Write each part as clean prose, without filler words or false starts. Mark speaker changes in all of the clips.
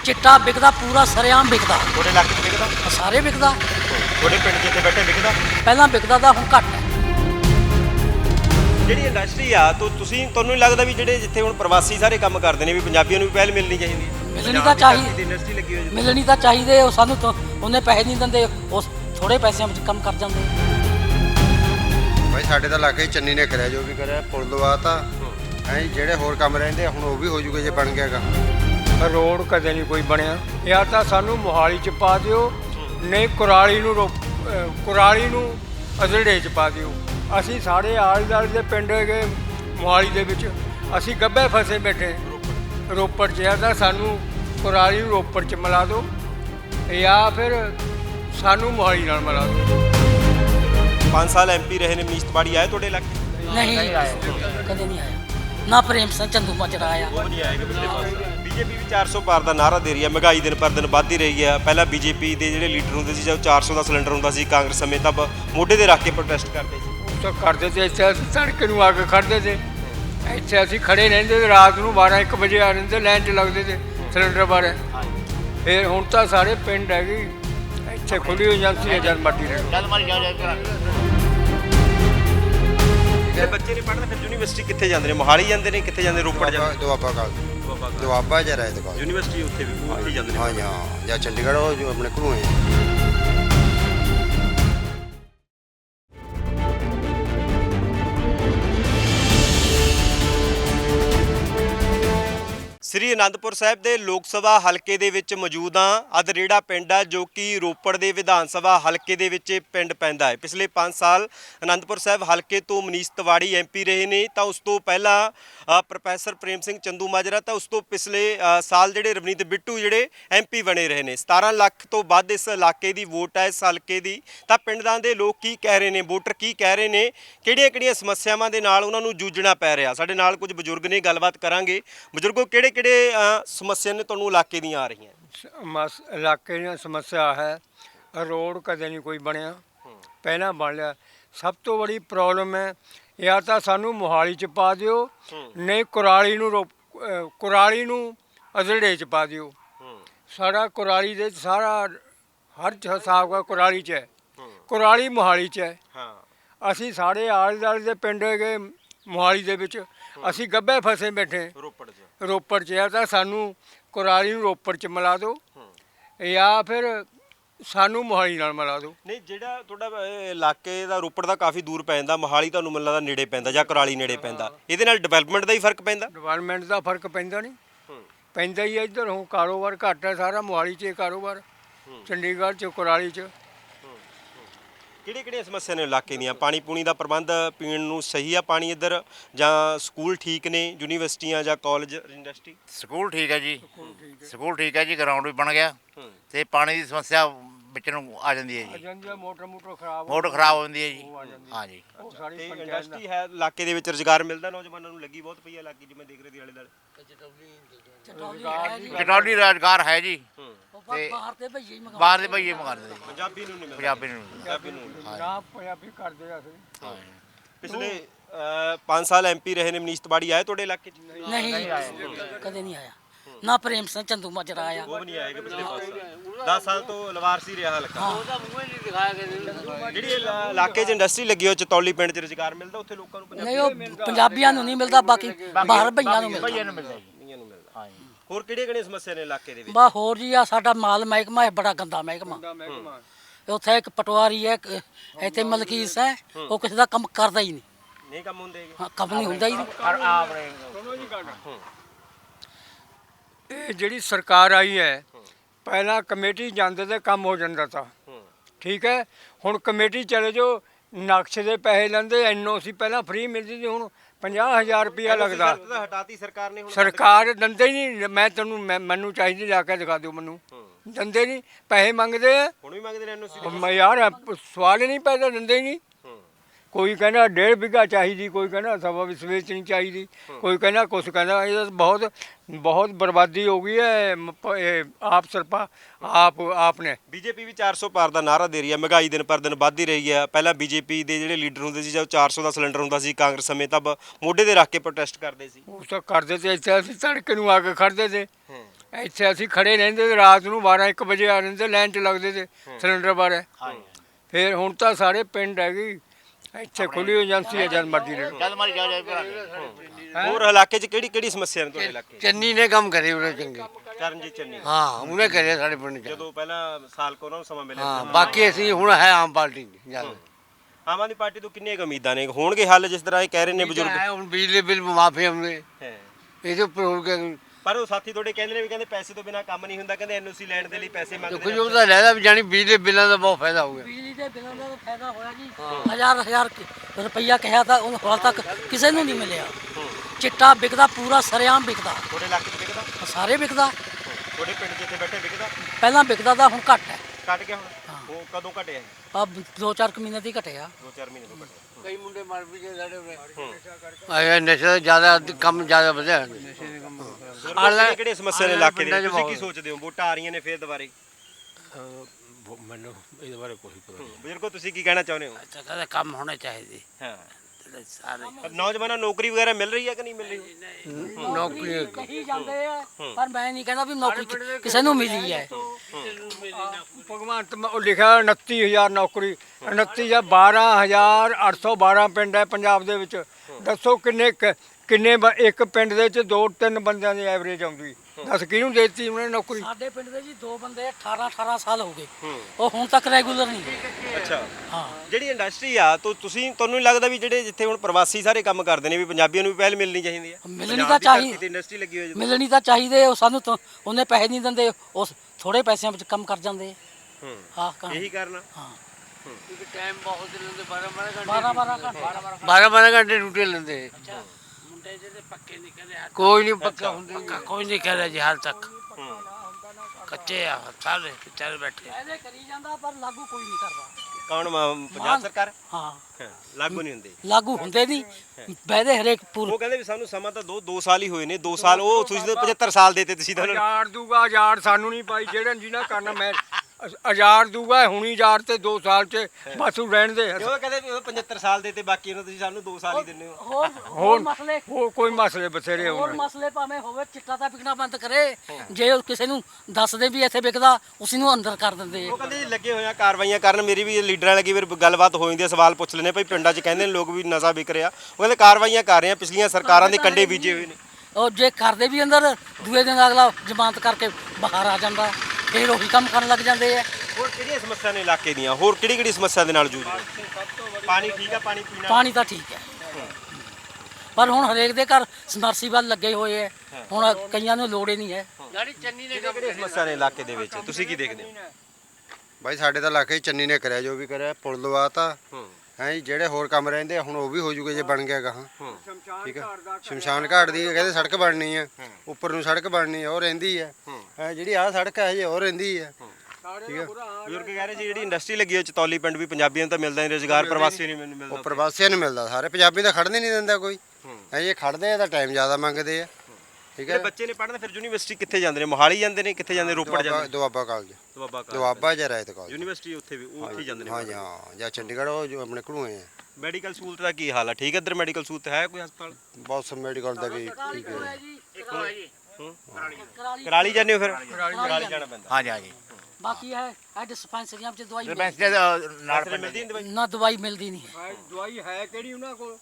Speaker 1: चिट्टा विकदा पूरा सरेआम विकदा
Speaker 2: ਤੁਹਾਡੇ ਇਲਾਕੇ 'ਚ ਵਿਕਦਾ?
Speaker 1: सारे विकदा
Speaker 2: ਤੁਹਾਡੇ ਪਿੰਡ ਜਿੱਥੇ ਬੈਠੇ ਵਿਕਦਾ?
Speaker 1: पहला विकदा था हुण घट है
Speaker 2: ਜਿਹੜੀ ਇੰਡਸਟਰੀ ਆ ਤੁਹਾਨੂੰ ਨਹੀਂ ਲੱਗਦਾ ਵੀ ਜਿਹੜੇ ਜਿੱਥੇ ਹੁਣ ਪ੍ਰਵਾਸੀ ਸਾਰੇ ਕੰਮ ਕਰਦੇ ਨੇ ਵੀ ਪੰਜਾਬੀਆਂ ਨੂੰ ਵੀ ਪਹਿਲ ਮਿਲਣੀ ਚਾਹੀਦੀ ਹੈ?
Speaker 1: ਮਿਲਣੀ ਤਾਂ ਚਾਹੀਦੀ
Speaker 2: ਇੰਡਸਟਰੀ ਲੱਗੀ ਹੋਈ ਹੈ।
Speaker 1: ਮਿਲਣੀ ਤਾਂ ਚਾਹੀਦੇ ਉਹ ਸਾਨੂੰ ਤਾਂ ਉਹਨੇ ਪੈਸੇ ਨਹੀਂ ਦਿੰਦੇ ਉਸ ਥੋੜੇ ਪੈਸਿਆਂ ਵਿੱਚ ਕੰਮ ਕਰ ਜਾਂਦੇ
Speaker 3: ਭਾਈ ਸਾਡੇ ਤਾਂ ਇਲਾਕੇ 'ਚ ਚੰਨੀ ਨੇ ਕਰਿਆ ਜੋ ਵੀ ਕਰਿਆ ਪੁਲ ਲਵਾਤਾ ਐਂ ਜਿਹੜੇ ਹੋਰ ਕੰਮ ਰਹਿੰਦੇ ਹੁਣ ਉਹ ਵੀ ਹੋ ਜੂਗੇ ਜੇ ਬਣ ਗਿਆਗਾ
Speaker 4: ਰੋਡ ਕਦੇ ਨਹੀਂ ਕੋਈ ਬਣਿਆ ਜਾਂ ਤਾਂ ਸਾਨੂੰ ਮੋਹਾਲੀ ਚ ਪਾ ਦਿਓ ਨਹੀਂ ਕੁਰਾਲੀ ਨੂੰ ਅਜ਼ਲੜੇ ਚ ਪਾ ਦਿਓ। ਅਸੀਂ ਸਾਰੇ ਆਲੇ ਦੁਆਲੇ ਦੇ ਪਿੰਡ ਹੈਗੇ ਮੋਹਾਲੀ ਦੇ ਵਿੱਚ ਅਸੀਂ ਗੱਭੇ ਫਸੇ ਬੈਠੇ ਰੋਪੜ 'ਚ ਜਾਂ ਤਾਂ ਸਾਨੂੰ ਕੁਰਾਲੀ ਨੂੰ ਰੋਪੜ 'ਚ ਮਿਲਾ ਦਿਓ ਜਾਂ ਫਿਰ ਸਾਨੂੰ ਮੋਹਾਲੀ ਨਾਲ ਮਿਲਾ ਦਿਓ।
Speaker 2: 5 ਸਾਲ ਐਮਪੀ ਰਹੇ ਨੇ ਮਨੀਸ਼ ਤਿਵਾੜੀ ਆਏ ਤੁਹਾਡੇ ਇਲਾਕੇ?
Speaker 1: ਨਹੀਂ ਕਦੇ ਨਹੀਂ ਆਇਆ ਨਾ ਪ੍ਰੇਮ ਸਿੰਘ ਚੰਦੂ ਮਾਜਰਾ ਆਇਆ
Speaker 2: ਉਹ ਨਹੀਂ ਆਏਗਾ ਪਿਛਲੇ 5 ਸਾਲ। ਬੀਜੇਪੀ ਵੀ 400 ਪਾਰ ਦਾ ਨਾਰਾ ਦੇ ਰਹੀ ਹੈ, ਮਹਿੰਗਾਈ ਦਿਨ ਪਰ ਦਿਨ ਵੱਧਦੀ ਰਹੀ ਹੈ। ਪਹਿਲਾਂ ਬੀਜੇਪੀ ਦੇ ਜਿਹੜੇ ਲੀਡਰ ਹੁੰਦੇ ਸੀ ਜਦੋਂ 400 ਦਾ ਸਿਲੰਡਰ ਹੁੰਦਾ ਸੀ ਕਾਂਗਰਸ ਸਮੇਂ ਤਾਂ ਮੋਢੇ ਤੇ ਰੱਖ ਕੇ ਪ੍ਰੋਟੈਸਟ ਕਰਦੇ ਸੀ।
Speaker 4: ਉਹ ਤਾਂ ਕਰਦੇ ਤੇ ਇੱਥੇ ਅਸੀਂ ਸੜਕ ਨੂੰ ਆ ਕੇ ਖੜ੍ਹਦੇ ਤੇ ਇੱਥੇ ਅਸੀਂ ਖੜੇ ਰਹਿੰਦੇ ਤੇ ਰਾਤ ਨੂੰ 12-1 ਵਜੇ ਆ ਰਹਿੰਦੇ ਲਾਈਨ 'ਚ ਲੱਗਦੇ ਤੇ ਸਿਲੰਡਰ ਬਾਰੇ। ਫਿਰ ਹੁਣ ਤਾਂ ਸਾਰੇ ਪਿੰਡ ਹੈਗੀ ਇੱਥੇ ਖੁੱਲੀ ਹੋ ਜਾਂਦੀ ਹੈ ਜਦ ਮਰਜ਼ੀ
Speaker 2: ਜਿਹੜੇ ਬੱਚੇ ਨੇ ਪੜ੍ਹਦੇ ਫਿਰ ਯੂਨੀਵਰਸਿਟੀ ਕਿੱਥੇ ਜਾਂਦੇ ਨੇ? ਮੋਹਾਲੀ ਜਾਂਦੇ ਨੇ, ਕਿੱਥੇ ਜਾਂਦੇ? ਰੋਪੜ ਜਾਂਦੇ?
Speaker 3: ਦੁਆਬਾ ਕਾਲ ਦੁਆਬਾ ਜਾਂ ਰਾਇਤ ਕਾਲ
Speaker 2: ਯੂਨੀਵਰਸਿਟੀ ਉੱਥੇ ਵੀ ਉੱਥੇ ਹੀ ਜਾਂਦੇ ਨੇ।
Speaker 3: ਹਾਂ ਹਾਂ ਜਾਂ ਚੰਡੀਗੜ੍ਹ ਉਹ ਜੋ ਆਪਣੇ ਕੋਲੋਂ ਹੈ।
Speaker 2: ਸ੍ਰੀ ਅਨੰਦਪੁਰ ਸਾਹਿਬ ਦੇ ਲੋਕ ਸਭਾ ਹਲਕੇ ਦੇ ਵਿੱਚ ਮੌਜੂਦ ਹਾਂ। ਅਦਰੇੜਾ ਪਿੰਡ ਆ ਜੋ ਕਿ ਰੋਪੜ ਦੇ ਵਿਧਾਨ ਸਭਾ ਹਲਕੇ ਦੇ ਵਿੱਚ ਪਿੰਡ ਪੈਂਦਾ ਹੈ। ਪਿਛਲੇ 5 ਸਾਲ ਅਨੰਦਪੁਰ ਸਾਹਿਬ ਹਲਕੇ ਤੋਂ ਮਨੀਸ਼ ਤਿਵਾੜੀ ਐਮਪੀ ਰਹੇ ਨੇ, ਤਾਂ ਉਸ ਤੋਂ ਪਹਿਲਾਂ ਪ੍ਰੋਫੈਸਰ ਪ੍ਰੇਮ ਸਿੰਘ ਚੰਦੂ ਮਾਜਰਾ, ਤਾਂ ਉਸ ਤੋਂ ਪਿਛਲੇ ਸਾਲ ਜਿਹੜੇ ਰਵਨੀਤ ਬਿੱਟੂ ਜਿਹੜੇ ਐਮਪੀ ਬਣੇ ਰਹੇ ਨੇ। 17 ਲੱਖ ਤੋਂ ਵੱਧ ਇਸ ਇਲਾਕੇ ਦੀ ਵੋਟ ਹੈ, ਇਸ ਹਲਕੇ ਦੀ। ਤਾਂ ਪਿੰਡਾਂ ਦੇ ਲੋਕ ਕੀ ਕਹਿ ਰਹੇ ਨੇ, ਵੋਟਰ ਕੀ ਕਹਿ ਰਹੇ ਨੇ, ਕਿਹੜੀਆਂ-ਕਿਹੜੀਆਂ ਸਮੱਸਿਆਵਾਂ ਦੇ ਨਾਲ ਉਹਨਾਂ ਨੂੰ ਜੂਝਣਾ ਪੈ ਰਿਹਾ। ਸਾਡੇ ਨਾਲ ਕੁਝ ਬਜ਼ੁਰਗ ਨੇ, ਗੱਲਬਾਤ ਕਰਾਂਗੇ। ਬਜ਼ੁਰਗੋ ਕਿਹੜੇ ਸਮੱਸਿਆ ਨੇ ਤੁਹਾਨੂੰ ਇਲਾਕੇ ਦੀਆਂ ਆ ਰਹੀਆਂ?
Speaker 4: ਇਲਾਕੇ ਦੀਆਂ ਸਮੱਸਿਆ ਹੈ ਰੋਡ ਕਦੇ ਨਹੀਂ ਕੋਈ ਬਣਿਆ, ਪਹਿਲਾਂ ਬਣ ਲਿਆ। ਸਭ ਤੋਂ ਬੜੀ ਪ੍ਰੋਬਲਮ ਹੈ ਜਾਂ ਤਾਂ ਸਾਨੂੰ ਮੋਹਾਲੀ 'ਚ ਪਾ ਦਿਓ ਨਹੀਂ ਕੁਰਾਲੀ ਨੂੰ ਅਜ਼ਲੜੇ 'ਚ ਪਾ ਦਿਓ। ਸਾਡਾ ਕੁਰਾਲੀ ਦੇ ਸਾਰਾ ਹਰ ਹਿਸਾਬ ਦਾ ਕੁਰਾਲੀ 'ਚ ਹੈ, ਕੁਰਾਲੀ ਮੋਹਾਲੀ 'ਚ ਹੈ। ਅਸੀਂ ਸਾਰੇ ਆਲੇ ਦੁਆਲੇ ਦੇ ਪਿੰਡ ਹੈਗੇ ਮੋਹਾਲੀ ਦੇ ਵਿੱਚ ਅਸੀਂ ਗੱਭੇ ਫਸੇ ਬੈਠੇ ਰੋਪੜ 'ਚ ਜਾਂ ਤਾਂ ਸਾਨੂੰ ਕੁਰਾਲੀ ਨੂੰ ਰੋਪੜ 'ਚ ਮਿਲਾ ਦਿਓ ਜਾਂ ਫਿਰ ਸਾਨੂੰ ਮੋਹਾਲੀ ਨਾਲ ਮਿਲਾ ਦਿਓ।
Speaker 2: ਨਹੀਂ, ਜਿਹੜਾ ਤੁਹਾਡਾ ਇਲਾਕੇ ਦਾ ਰੋਪੜ ਦਾ ਕਾਫੀ ਦੂਰ ਪੈ ਜਾਂਦਾ, ਮੋਹਾਲੀ ਤੁਹਾਨੂੰ ਮੈਨੂੰ ਲੱਗਦਾ ਨੇੜੇ ਪੈਂਦਾ ਜਾਂ ਕੁਰਾਲੀ ਨੇੜੇ ਪੈਂਦਾ, ਇਹਦੇ ਨਾਲ ਡਿਵੈਲਪਮੈਂਟ ਦਾ ਹੀ ਫਰਕ ਪੈਂਦਾ?
Speaker 4: ਡਿਵੈਲਪਮੈਂਟ ਦਾ ਫਰਕ ਪੈਂਦਾ ਨਹੀਂ, ਪੈਂਦਾ ਹੀ ਹੈ। ਇੱਧਰ ਹੁਣ ਕਾਰੋਬਾਰ ਘੱਟ ਹੈ, ਸਾਰਾ ਮੋਹਾਲੀ 'ਚ ਕਾਰੋਬਾਰ, ਚੰਡੀਗੜ੍ਹ 'ਚ ਕੁਰਾਲੀ 'ਚ।
Speaker 2: ਕਿਹੜੀਆਂ ਸਮੱਸਿਆ ਨੇ ਇਲਾਕੇ ਦੀਆਂ? ਪਾਣੀ ਪੂਣੀ ਦਾ ਪ੍ਰਬੰਧ ਪੀਣ ਨੂੰ ਸਹੀ ਆ ਪਾਣੀ ਇੱਧਰ, ਜਾਂ ਸਕੂਲ ਠੀਕ ਨੇ, ਯੂਨੀਵਰਸਿਟੀਆਂ ਜਾਂ ਕਾਲਜ, ਇੰਡਸਟਰੀ?
Speaker 5: ਸਕੂਲ ਠੀਕ ਹੈ ਜੀ, ਸਕੂਲ ਠੀਕ ਹੈ ਜੀ, ਗਰਾਊਂਡ ਵੀ ਬਣ ਗਿਆ ਤੇ ਪਾਣੀ ਦੀ ਸਮੱਸਿਆ ਵਿੱਚ ਨੂੰ ਆ ਜਾਂਦੀ ਹੈ ਜੀ।
Speaker 4: ਮੋਟਰ
Speaker 5: ਖਰਾਬ ਹੋ ਜਾਂਦੀ ਹੈ ਜੀ। ਹਾਂ ਜੀ,
Speaker 2: ਤੇ ਇੰਡਸਟਰੀ ਹੈ ਇਲਾਕੇ ਦੇ ਵਿੱਚ, ਰੁਜ਼ਗਾਰ ਮਿਲਦਾ ਨੌਜਵਾਨਾਂ ਨੂੰ? ਲੱਗੀ ਬਹੁਤ ਪਈ ਹੈ ਇਲਾਕੇ ਜਿਵੇਂ ਦੇਖ ਰਹੇ ਦੀ ਆਲੇ ਦੁਆਲੇ।
Speaker 5: ਚਟੌਲੀ ਰੁਜ਼ਗਾਰ ਹੈ ਜੀ,
Speaker 1: ਤੇ
Speaker 5: ਬਾਹਰ ਦੇ ਭਈਏ ਮੰਗਾਉਂਦੇ
Speaker 2: ਪੰਜਾਬੀ ਨੂੰ ਨਹੀਂ ਮਿਲਦਾ।
Speaker 5: ਪੰਜਾਬੀ ਨੂੰ
Speaker 4: ਪੰਜਾਬੀ ਕਰਦੇ ਅਸੀਂ।
Speaker 2: ਪਿਛਲੇ 5 ਸਾਲ ਐਮਪੀ ਰਹੇ ਨੇ ਮਨੀਸ਼ ਤਿਵਾੜੀ ਆਏ ਤੁਹਾਡੇ ਇਲਾਕੇ 'ਚ?
Speaker 1: ਨਹੀਂ ਕਦੇ ਨਹੀਂ ਆਇਆ ਨਾ ਪ੍ਰੇਮ ਸਿੰਘ ਚੰਦੂ ਮਾਜਰਾ ਆਇਆ
Speaker 2: ਉਹ ਵੀ ਨਹੀਂ ਆਏਗਾ ਪਿਛਲੇ 5 ਸਾਲ। 10 ਸਾਲ ਤੋਂ ਲਵਾਰਸੀ ਰਿਹਾ ਹਲਕਾ। ਜਿਹੜੀ ਇਲਾਕੇ 'ਚ ਇੰਡਸਟਰੀ ਲੱਗੀ ਹੋ ਚਤੌਲੀ ਪਿੰਡ 'ਚ ਰੁਜ਼ਗਾਰ ਮਿਲਦਾ ਉੱਥੇ ਲੋਕਾਂ ਨੂੰ?
Speaker 1: ਨਹੀਂ, ਉਹ ਪੰਜਾਬੀਆਂ ਨੂੰ ਨਹੀਂ ਮਿਲਦਾ, ਬਾਕੀ ਬਾਹਰ ਭਈਆਂ ਨੂੰ ਮਿਲਦਾ।
Speaker 2: ਹੋਰ ਕਿਹੜੀਆਂ ਸਮੱਸਿਆ ਨੇ ਇਲਾਕੇ ਦੇ ਵਿੱਚ?
Speaker 1: ਬਾ ਹੋਰ ਜੀ ਆ ਸਾਡਾ ਮਾਲ ਮਹਿਕਮਾ ਹੈ, ਬੜਾ ਗੰਦਾ ਮਹਿਕਮਾ। ਉੱਥੇ ਇੱਕ ਪਟਵਾਰੀ ਹੈ, ਇੱਥੇ ਮਲਕੀਸ ਹੈ, ਉਹ ਕਿਸੇ ਦਾ ਕੰਮ ਕਰਦਾ ਹੀ ਨਹੀਂ
Speaker 2: ਕੰਮ ਹੁੰਦੇ?
Speaker 1: ਹਾਂ, ਕੰਮ ਨਹੀਂ ਹੁੰਦਾ ਹੀ ਨਹੀਂ।
Speaker 4: ਇਹ ਜਿਹੜੀ ਸਰਕਾਰ ਆਈ ਹੈ, ਪਹਿਲਾਂ ਕਮੇਟੀ ਜਾਂਦੇ ਤੇ ਕੰਮ ਹੋ ਜਾਂਦਾ ਤਾ, ਠੀਕ ਹੈ। ਹੁਣ ਕਮੇਟੀ ਚਲੇ ਜਾਓ, ਨਕਸ਼ੇ ਦੇ ਪੈਸੇ ਲੈਂਦੇ, NOC ਪਹਿਲਾਂ ਫ੍ਰੀ ਮਿਲਦੀ ਸੀ, ਹੁਣ 50,000 ਰੁਪਇਆ ਲੱਗਦਾ।
Speaker 2: ਹਟਾਤੀ ਸਰਕਾਰ ਨੇ।
Speaker 4: ਸਰਕਾਰ ਦਿੰਦੇ ਹੀ ਨਹੀਂ। ਮੈਨੂੰ ਚਾਹੀਦੀ, ਲਿਆ ਕੇ ਦਿਖਾ ਦਿਓ ਮੈਨੂੰ। ਦਿੰਦੇ ਨਹੀਂ, ਪੈਸੇ ਮੰਗਦੇ ਆ।
Speaker 2: ਹੁਣ ਵੀ ਮੰਗਦੇ ਨੇ NOC?
Speaker 4: ਮੈਂ ਯਾਰ ਸਵਾਲ ਹੀ ਨਹੀਂ ਪੈਦਾ, ਦਿੰਦੇ ਹੀ ਨਹੀਂ। ਕੋਈ ਕਹਿੰਦਾ 1.5 ਬਿੱਘਾ ਚਾਹੀਦੀ, ਕੋਈ ਕਹਿੰਦਾ ਸਵਾ ਵਿੱਚ ਵੇਚਣੀ ਚਾਹੀਦੀ, ਕੋਈ ਕਹਿੰਦਾ ਕੁਛ ਕਹਿੰਦਾ। ਇਹ ਬਹੁਤ ਬਰਬਾਦੀ ਹੋ ਗਈ ਹੈ ਆਪ ਨੇ।
Speaker 2: ਬੀਜੇਪੀ ਵੀ 400 ਪਾਰ ਦਾ ਨਾਰਾ ਦੇ ਰਹੀ ਹੈ, ਮਹਿੰਗਾਈ ਦਿਨ ਪਰ ਦਿਨ ਵੱਧਦੀ ਰਹੀ ਹੈ। ਪਹਿਲਾਂ ਬੀਜੇਪੀ ਦੇ ਜਿਹੜੇ ਲੀਡਰ ਹੁੰਦੇ ਸੀ ਜਦੋਂ 400 ਦਾ ਸਿਲੰਡਰ ਹੁੰਦਾ ਸੀ ਕਾਂਗਰਸ ਸਮੇਂ ਤਾਂ ਮੋਢੇ ਤੇ ਰੱਖ ਕੇ ਪ੍ਰੋਟੈਸਟ ਕਰਦੇ ਸੀ।
Speaker 4: ਉਹ ਤਾਂ ਕਰਦੇ ਤੇ ਇੱਥੇ ਅਸੀਂ ਸੜਕ ਨੂੰ ਆ ਕੇ ਖੜ੍ਹਦੇ ਤੇ ਇੱਥੇ ਅਸੀਂ ਖੜੇ ਰਹਿੰਦੇ ਤੇ ਰਾਤ ਨੂੰ 12-1 ਵਜੇ ਆ ਜਾਂਦੇ, ਲਾਈਨ 'ਚ ਲੱਗਦੇ ਤੇ ਸਿਲੰਡਰ ਬਾਰੇ। ਫਿਰ ਹੁਣ ਤਾਂ ਸਾਰੇ ਪਿੰਡ ਹੈਗੀ, ਇੱਥੇ ਖੁੱਲੀ ਏਜੰਸੀ ਹੈ, ਜਦ ਮਰਜ਼ੀ ਲੈ ਲਓ।
Speaker 5: ਜਦ ਮਾਰੀ ਜਾ ਜਾ
Speaker 2: ਹੋਰ ਇਲਾਕੇ 'ਚ ਕਿਹੜੀ ਸਮੱਸਿਆ ਨੇ ਤੁਹਾਡੇ ਇਲਾਕੇ 'ਚ?
Speaker 6: ਚੰਨੀ ਨੇ ਕੰਮ ਕਰੇ ਉਹਨੇ ਚੰਗੇ।
Speaker 2: ਚਰਨਜੀਤ ਚੰਨੀ
Speaker 6: ਹਾਂ ਉਹਨੇ ਕਰਿਆ ਸਾਡੇ ਪਿੰਡ ਚ।
Speaker 2: ਜਦੋਂ ਪਹਿਲਾਂ ਸਾਲ ਕੋ ਉਹਨਾਂ ਨੂੰ ਸਮਾਂ ਮਿਲਿਆ
Speaker 6: ਹਾਂ ਬਾਕੀ ਅਸੀਂ ਹੁਣ ਹੈ ਆਮ ਪਾਰਟੀ ਜਿਆਦਾ
Speaker 2: ਆਮ ਆਦਮੀ ਪਾਰਟੀ ਤੋਂ ਕਿੰਨੀਆਂ ਕੁ ਉਮੀਦਾਂ ਨੇ, ਹੋਣਗੇ ਹੱਲ ਜਿਸ ਤਰ੍ਹਾਂ ਇਹ ਕਹਿ ਰਹੇ ਨੇ ਬਜ਼ੁਰਗ?
Speaker 6: ਹੁਣ ਬਿਜਲੀ ਬਿੱਲ ਮਾਫੀ ਹੁੰਦੇ
Speaker 2: ਹੈ।
Speaker 6: ਇਹਦੇ ਉੱਪਰ ਹੋਰ ਕੀ
Speaker 2: ਪਰ ਉਹ ਸਾਥੀ ਤੁਹਾਡੇ ਕਹਿੰਦੇ ਨੇ ਵੀ ਕਹਿੰਦੇ ਪੈਸੇ ਤੋਂ ਬਿਨਾ ਕੰਮ ਨਹੀਂ ਹੁੰਦਾ, ਕਹਿੰਦੇ ਐਨਓਸੀ ਲੈਣ ਦੇ ਲਈ ਪੈਸੇ ਮੰਗਦੇ
Speaker 6: ਕੁਝ ਉਹਦਾ ਲੈਦਾ ਵੀ ਜਾਣੀ ਬਿਜਲੀ ਬਿੱਲਾਂ ਦਾ ਬਹੁਤ ਫਾਇਦਾ ਹੋ ਗਿਆ।
Speaker 1: ਬਿਜਲੀ ਦੇ ਬਿੱਲਾਂ ਦਾ ਤਾਂ ਫਾਇਦਾ ਹੋਇਆ ਜੀ, ਹਜ਼ਾਰ ਰੁਪਈਆ ਕਿਹਾ ਤਾਂ ਉਹ ਹਾਲ ਤੱਕ ਕਿਸੇ ਨੂੰ ਨਹੀਂ ਮਿਲਿਆ। ਚਿੱਟਾ ਵਿਕਦਾ, ਪੂਰਾ ਸਰੇਆਮ ਵਿਕਦਾ,
Speaker 2: ਤੁਹਾਡੇ ਇਲਾਕੇ 'ਚ ਵਿਕਦਾ?
Speaker 1: ਸਾਰੇ ਵਿਕਦਾ।
Speaker 2: ਤੁਹਾਡੇ ਪਿੰਡ 'ਚ ਇੱਥੇ ਬੈਠੇ ਵਿਕਦਾ?
Speaker 1: ਪਹਿਲਾਂ ਵਿਕਦਾ ਤਾਂ ਹੁਣ ਘੱਟ ਹੈ।
Speaker 2: ਘਟ ਗਿਆ ਹੁਣ? ਉਹ ਕਦੋਂ ਘਟਿਆ ਇਹ?
Speaker 1: ਆ 2-4 ਮਹੀਨੇ ਦੀ ਘਟਿਆ।
Speaker 2: 2-4 ਮਹੀਨੇ ਤੋਂ ਘਟਿਆ।
Speaker 6: ਕਈ ਮੁੰਡੇ ਮਰ ਵੀ ਗਏ ਸਾਡੇ ਉਰੇ। ਨਸ਼ੇ ਦਾ ਜ਼ਿਆਦਾ ਕੰਮ ਜ਼ਿਆਦਾ ਵਧਿਆ।
Speaker 2: ਕਿਹੜੇ ਸਮੱਸਿਆ ਨੇ ਇਲਾਕੇ ਦੇ? ਤੁਸੀਂ ਕੀ ਸੋਚਦੇ ਹੋ? ਵੋਟਾਂ ਆ ਰਹੀਆਂ ਨੇ ਫੇਰ ਦੁਬਾਰੇ।
Speaker 7: ਮੈਨੂੰ ਇਹਦੇ ਬਾਰੇ ਕੋਈ ਪਤਾ ਨਹੀਂ।
Speaker 2: ਬਜ਼ੁਰਗੋ ਤੁਸੀਂ ਕੀ ਕਹਿਣਾ ਚਾਹੁੰਦੇ ਹੋ?
Speaker 7: ਅੱਛਾ ਕਹਿੰਦਾ ਕੰਮ ਹੋਣੇ ਚਾਹੀਦੇ
Speaker 2: ਹਾਂ।
Speaker 7: ਸਾਰੇ
Speaker 2: ਨੌਜਵਾਨਾਂ ਨੂੰ ਨੌਕਰੀ ਵਗੈਰਾ ਮਿਲ ਰਹੀ ਹੈ ਕਿ ਨਹੀਂ ਮਿਲ ਰਹੀ?
Speaker 6: ਨੌਕਰੀ
Speaker 1: ਕਹੀ ਜਾਂਦੇ ਆ, ਪਰ ਮੈਂ ਨਹੀਂ ਕਹਿੰਦਾ ਵੀ ਨੌਕਰੀ ਕਿਸੇ ਨੂੰ ਮਿਲੀ ਹੈ।
Speaker 4: ਭਗਵੰਤ ਉਹ ਲਿਖਿਆ 29,000 ਨੌਕਰੀ, 29 ਜਾਂ 12,812 ਪਿੰਡ ਹੈ ਪੰਜਾਬ ਦੇ ਵਿੱਚ। ਦੱਸੋ ਕਿੰਨੇ ਇੱਕ ਪਿੰਡ ਦੇ ਵਿੱਚ 2-3 ਬੰਦਿਆਂ ਦੀ ਐਵਰੇਜ ਆਉਂਦੀ। ਦੱਸ ਕਿਹਨੂੰ ਦੇਤੀ ਉਹਨੇ ਨੌਕਰੀ?
Speaker 1: ਸਾਡੇ ਪਿੰਡ ਦੇ ਜੀ 2 ਬੰਦੇ 18 ਸਾਲ ਹੋ ਗਏ, ਉਹ ਹੁਣ ਤੱਕ ਰੈਗੂਲਰ ਨਹੀਂ।
Speaker 2: ਅੱਛਾ।
Speaker 1: ਹਾਂ
Speaker 2: ਜਿਹੜੀ ਇੰਡਸਟਰੀ ਆ ਤੁਹਾਨੂੰ ਨਹੀਂ ਲੱਗਦਾ ਵੀ ਜਿਹੜੇ ਜਿੱਥੇ ਹੁਣ ਪ੍ਰਵਾਸੀ ਸਾਰੇ ਕੰਮ ਕਰਦੇ ਨੇ ਵੀ ਪੰਜਾਬੀਆਂ ਨੂੰ ਵੀ ਪਹਿਲ ਮਿਲਣੀ ਚਾਹੀਦੀ ਹੈ?
Speaker 1: ਮਿਲਣੀ ਤਾਂ ਚਾਹੀਦੀ,
Speaker 2: ਇੰਡਸਟਰੀ ਲੱਗੀ ਹੋਈ ਹੈ।
Speaker 1: ਮਿਲਣੀ ਤਾਂ ਚਾਹੀਦੇ। ਉਹ ਸਾਨੂੰ ਤਾਂ ਉਹਨੇ ਪੈਸੇ ਨਹੀਂ ਦਿੰਦੇ, ਉਹ ਥੋੜੇ ਪੈਸਿਆਂ ਵਿੱਚ ਕੰਮ ਕਰ ਜਾਂਦੇ। ਹਾਂ
Speaker 2: ਇਹੀ ਕਰਨਾ।
Speaker 1: ਹਾਂ
Speaker 6: ਟਾਈਮ ਬਹੁਤ ਲੈਂਦੇ
Speaker 1: 12
Speaker 6: ਘੰਟੇ ਡਿਊਟੀ ਲੈਂਦੇ।
Speaker 7: ਮੁੰਡੇ ਜਿਹੜੇ ਪੱਕੇ ਨਹੀਂ ਕਰੇ
Speaker 6: ਕੋਈ ਨਹੀਂ ਪੱਕਾ ਹੁੰਦੇ।
Speaker 7: ਪੱਕਾ ਕੋਈ ਨਹੀਂ ਕਰਿਆ ਜੀ ਹਾਲ ਤੱਕ। ਕੱਚੇ ਆ ਸਾਰੇ ਚੱਲ ਬੈਠੇ।
Speaker 1: ਇਹਦੇ ਕਰੀ ਜਾਂਦਾ ਪਰ ਲਾਗੂ ਕੋਈ ਨਹੀਂ ਕਰਦਾ।
Speaker 2: ਕੌਣ ਪੰਜਾਬ ਸਰਕਾਰ?
Speaker 1: ਹਾਂ
Speaker 2: ਲਾਗੂ ਨਹੀਂ ਹੁੰਦੇ।
Speaker 1: ਲਾਗੂ ਹੁੰਦੇ ਨਹੀਂ, ਵੈਦੇ ਹਰੇਕ
Speaker 2: ਉਹ ਕਹਿੰਦੇ ਵੀ ਸਾਨੂੰ ਸਮਾਂ ਤਾਂ 2 ਸਾਲ ਹੀ ਹੋਏ ਨੇ। 2 ਸਾਲ ਉਹ ਤੁਸੀਂ ਤਾਂ 75 ਸਾਲ ਦੇਤੇ ਤੁਸੀਂ ਤਾਂ ਉਹਨਾਂ ਨੂੰ।
Speaker 4: ਹਜ਼ਾਰ ਦੂਗਾ, ਹਜ਼ਾਰ ਸਾਨੂੰ ਨਹੀਂ ਪਾਈ। ਜਿਹੜੇ ਜਿਹਨਾਂ ਕਰਨਾ ਮੈਂ ਹਜ਼ਾਰ ਦੂਗਾ ਹੁਣੀ, ਹਜ਼ਾਰ ਤੇ 2 ਸਾਲ ਚ ਬਸ ਉਹ ਰਹਿਣ ਦੇ।
Speaker 2: ਉਹ ਕਹਿੰਦੇ ਵੀ ਉਹ 75 ਸਾਲ ਦੇਤੇ, ਬਾਕੀ ਉਹਨਾਂ ਤੁਸੀਂ ਸਾਨੂੰ 2 ਸਾਲ ਹੀ ਦਿੰਦੇ ਹੋ।
Speaker 1: ਹੋਰ ਮਸਲੇ,
Speaker 4: ਹੋਰ ਕੋਈ ਮਸਲੇ ਬਥੇਰੇ
Speaker 1: ਹੋਰ
Speaker 4: ਹੋਣ।
Speaker 1: ਮਸਲੇ ਭਾਵੇਂ ਹੋਵੇ, ਚਿੱਟਾ ਤਾਂ ਵਿਕਣਾ ਬੰਦ ਕਰੇ। ਜੇ ਉਹ ਕਿਸੇ ਨੂੰ ਦੱਸਦੇ ਵੀ ਇੱਥੇ ਵਿਕਦਾ, ਉਸੇ ਨੂੰ ਅੰਦਰ ਕਰ ਦਿੰਦੇ।
Speaker 2: ਉਹ ਕਹਿੰਦੇ ਜੀ ਲੱਗੇ ਹੋਏ ਆ ਕਾਰਵਾਈਆਂ ਕਰਨ। ਮੇਰੀ ਵੀ ਲੀਡਰਾਂ ਨਾਲ ਕਈ ਵਾਰ ਗੱਲਬਾਤ ਹੋ ਜਾਂਦੀ ਹੈ, ਸਵਾਲ ਪੁੱਛ ਲੈਂਦੇ ਭਾਈ ਪਿੰਡਾਂ 'ਚ ਕਹਿੰਦੇ ਨੇ ਲੋਕ ਵੀ ਨਸ਼ਾ ਵਿਕ ਰਿਹਾ। ਉਹ ਕਹਿੰਦੇ ਕਾਰਵਾਈਆਂ ਕਰ ਰਹੇ ਆ, ਪਿਛਲੀਆਂ ਸਰਕਾਰਾਂ ਦੇ ਕੰਡੇ ਬੀਜੇ ਹੋਏ ਨੇ।
Speaker 1: ਉਹ ਜੇ ਕਰਦੇ ਵੀ ਅੰਦਰ, ਦੂਏ ਦਿਨ ਅਗਲਾ ਜ਼ਮਾਨਤ ਕਰਕੇ ਬਾਹਰ ਆ ਜਾਂਦਾ, ਫਿਰ ਉਹੀ ਕੰਮ ਕਰਨ ਲੱਗ ਜਾਂਦੇ ਆ।
Speaker 2: ਹੋਰ ਕਿਹੜੀਆਂ ਸਮੱਸਿਆ ਨੇ ਇਲਾਕੇ ਦੀਆਂ? ਹੋਰ ਕਿਹੜੀ ਸਮੱਸਿਆ ਦੇ ਨਾਲ ਜੂਝ ਰਹੇ? ਪਾਣੀ ਠੀਕ ਆ? ਪਾਣੀ ਪੀਣਾ?
Speaker 1: ਪਾਣੀ ਤਾਂ ਠੀਕ ਹੈ, ਪਰ ਹੁਣ ਹਰੇਕ ਦੇ ਘਰ ਸਮਰਸੀਬਲ ਲੱਗੇ ਹੋਏ ਹੈ। ਹੁਣ ਕਈਆਂ ਨੂੰ ਲੋੜ ਹੀ ਨਹੀਂ ਹੈ।
Speaker 2: ਕਿਹੜੀਆਂ ਸਮੱਸਿਆ ਨੇ ਇਲਾਕੇ ਦੇ ਵਿੱਚ? ਤੁਸੀਂ ਕੀ ਦੇਖਦੇ ਹੋ?
Speaker 3: ਬਾਈ ਸਾਡੇ ਤਾਂ ਇਲਾਕੇ 'ਚ ਚੰਨੀ ਨੇ ਕਰਿਆ ਜੋ ਵੀ ਕਰਿਆ, ਪੁਲ ਲਵਾਤਾ ਹੈ ਜੀ। ਜਿਹੜੇ ਹੋਰ ਕੰਮ ਰਹਿੰਦੇ ਆ ਹੁਣ ਉਹ ਵੀ ਹੋ ਜੂਗੇ ਜੇ ਬਣ ਗਿਆ ਗਾਹਾਂ। ਠੀਕ ਹੈ। ਸ਼ਮਸ਼ਾਨ ਘਾਟ ਦੀ ਕਹਿੰਦੇ ਸੜਕ ਬਣਨੀ ਆ, ਉੱਪਰ ਨੂੰ ਸੜਕ ਬਣਨੀ ਆ, ਉਹ ਰਹਿੰਦੀ ਆ। ਜਿਹੜੀ ਆਹ ਸੜਕ ਹੈ ਜੀ ਉਹ ਰਹਿੰਦੀ ਆ। ਠੀਕ ਹੈ।
Speaker 2: ਬਜ਼ੁਰਗ ਕਹਿ ਰਹੇ ਸੀ ਜਿਹੜੀ ਇੰਡਸਟਰੀ ਲੱਗੀ ਹੋਈ ਚਤੌਲੀ ਪਿੰਡ ਵੀ ਪੰਜਾਬੀਆਂ ਨੂੰ ਤਾਂ ਮਿਲਦਾ ਨਹੀਂ ਰੋਜ਼ਗਾਰ, ਪ੍ਰਵਾਸੀ ਨਹੀਂ ਮਿਲਦਾ।
Speaker 3: ਉਹ ਪ੍ਰਵਾਸੀਆਂ ਨੂੰ ਮਿਲਦਾ, ਸਾਰੇ ਪੰਜਾਬੀ ਤਾਂ ਖੜਨੇ ਨਹੀਂ ਦਿੰਦਾ ਕੋਈ। ਜੇ ਖੜਦੇ ਆ ਤਾਂ ਟਾਈਮ ਜ਼ਿਆਦਾ ਮੰਗਦੇ ਆ। ਠੀਕ ਹੈ।
Speaker 2: ਬੱਚੇ ਨੇ ਪੜ੍ਹਨ ਫਿਰ ਯੂਨੀਵਰਸਿਟੀ ਕਿੱਥੇ ਜਾਂਦੇ ਨੇ? ਮੋਹਾਲੀ ਜਾਂਦੇ ਨੇ? ਕਿੱਥੇ ਜਾਂਦੇ? ਰੋਪੜ ਜਾਂਦੇ?
Speaker 3: ਦੁਆਬਾ ਕਾਲਜ,
Speaker 2: ਦੁਆਬਾ
Speaker 3: ਦੁਆਬਾ ਜਾਂ ਰਾਇਤ ਕਾਲਜ
Speaker 2: ਯੂਨੀਵਰਸਿਟੀ ਉੱਥੇ ਵੀ ਉਹ ਉੱਥੇ ਜਾਂਦੇ ਨੇ।
Speaker 3: ਹਾਂ ਜੀ ਹਾਂ, ਜਾਂ ਚੰਡੀਗੜ੍ਹ ਉਹ ਜੋ ਆਪਣੇ ਘੜੂਏ ਆ।
Speaker 2: ਮੈਡੀਕਲ ਸਹੂਲਤ ਦਾ ਕੀ ਹਾਲ ਆ? ਠੀਕ ਹੈ ਇੱਧਰ ਮੈਡੀਕਲ ਸਹੂਲਤ ਹੈ ਕੋਈ ਹਸਪਤਾਲ?
Speaker 3: ਬਹੁਤ ਮੈਡੀਕਲ ਦਾ ਵੀ ਠੀਕ ਹੈ।
Speaker 2: ਕਰਾਲੀ ਜਾਂਦੇ ਹੋ ਫਿਰ? ਕਰਾਲੀ ਜਾਣਾ ਪੈਂਦਾ।
Speaker 5: ਹਾਂਜੀ ਹਾਂਜੀ।
Speaker 1: ਬਾਕੀ ਹੈ ਇਹ ਡਿਸਪੈਂਸਰੀਆਂ ਵਿੱਚ ਦਵਾਈ
Speaker 5: ਡਿਸਪੈਂਸਰੀ ਦੇ ਨਾਲ ਪਿੰਡ
Speaker 2: ਮਿਲਦੀ ਨਹੀਂ ਦਵਾਈ?
Speaker 1: ਨਾ ਦਵਾਈ ਮਿਲਦੀ ਨਹੀਂ ਹੈ।
Speaker 4: ਦਵਾਈ ਹੈ ਕਿਹੜੀ ਉਹਨਾਂ ਕੋਲ?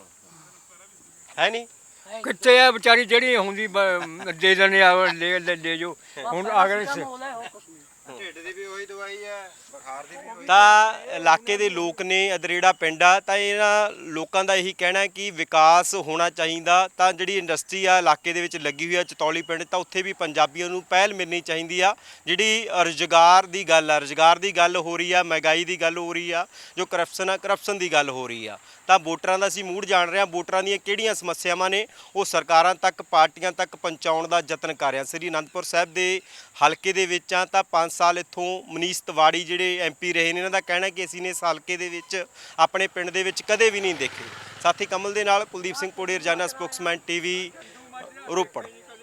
Speaker 2: ਹੈ ਨਹੀਂ।
Speaker 4: ਕਿੱਥੇ ਆ ਵਿਚਾਰੀ ਜਿਹੜੀ ਹੁੰਦੀ ਦੇ ਦਿੰਦੇ ਆ, ਲੈ ਜੋ। ਹੁਣ ਅਗਰ
Speaker 3: ਢਿੱਡ ਦੀ ਵੀ ਉਹੀ ਦਵਾਈ ਹੈ, ਬੁਖਾਰ ਦੀ ਵੀ ਉਹੀ।
Speaker 2: ਤਾਂ ਇਲਾਕੇ ਦੇ ਲੋਕ ਨੇ, ਅਦਰੇੜਾ ਪਿੰਡ ਆ, ਤਾਂ ਇਹਨਾਂ ਲੋਕਾਂ ਦਾ ਇਹੀ ਕਹਿਣਾ ਹੈ ਕਿ ਵਿਕਾਸ ਹੋਣਾ ਚਾਹੀਦਾ। ਤਾਂ ਜਿਹੜੀ ਇੰਡਸਟਰੀ ਆ ਇਲਾਕੇ ਦੇ ਵਿੱਚ ਲੱਗੀ ਹੋਈ ਆ ਚਤੌਲੀ ਪਿੰਡ, ਤਾਂ ਉੱਥੇ ਵੀ ਪੰਜਾਬੀਆਂ ਨੂੰ ਪਹਿਲ ਮਿਲਣੀ ਚਾਹੀਦੀ ਆ। ਜਿਹੜੀ ਰੁਜ਼ਗਾਰ ਦੀ ਗੱਲ ਆ, ਰੁਜ਼ਗਾਰ ਦੀ ਗੱਲ ਹੋ ਰਹੀ ਆ, ਮਹਿੰਗਾਈ ਦੀ ਗੱਲ ਹੋ ਰਹੀ ਆ, ਜੋ ਕਰਪਸ਼ਨ ਆ, ਕਰਪਸ਼ਨ ਦੀ ਗੱਲ ਹੋ ਰਹੀ ਆ। ਤਾਂ ਵੋਟਰਾਂ ਦਾ ਅਸੀਂ ਮੂਡ ਜਾਣ ਰਹੇ ਹਾਂ, ਵੋਟਰਾਂ ਦੀਆਂ ਕਿਹੜੀਆਂ ਸਮੱਸਿਆਵਾਂ ਨੇ ਉਹ ਸਰਕਾਰਾਂ ਤੱਕ, ਪਾਰਟੀਆਂ ਤੱਕ ਪਹੁੰਚਾਉਣ ਦਾ ਯਤਨ ਕਰ ਰਹੇ ਹਾਂ। ਸ੍ਰੀ ਅਨੰਦਪੁਰ ਸਾਹਿਬ ਦੇ ਹਲਕੇ ਦੇ ਵਿੱਚ ਆ, ਤਾਂ 5 ਸਾਲ ਇੱਥੋਂ ਮਨੀਸ਼ ਤਿਵਾੜੀ ਜਿਹੜੇ ਐਮਪੀ ਰਹੇ ਨੇ, ਇਹਨਾਂ ਦਾ ਕਹਿਣਾ ਕਿ ਅਸੀਂ ਨੇ ਇਸ ਹਲਕੇ ਦੇ ਵਿੱਚ ਆਪਣੇ ਪਿੰਡ ਦੇ ਵਿੱਚ ਕਦੇ ਵੀ ਨਹੀਂ ਦੇਖੇ। ਸਾਥੀ ਕਮਲ ਦੇ ਨਾਲ ਕੁਲਦੀਪ ਸਿੰਘ ਪੋੜੀ, ਰੋਜ਼ਾਨਾ ਸਪੋਕਸਮੈਨ ਟੀਵੀ, ਰੋਪੜ।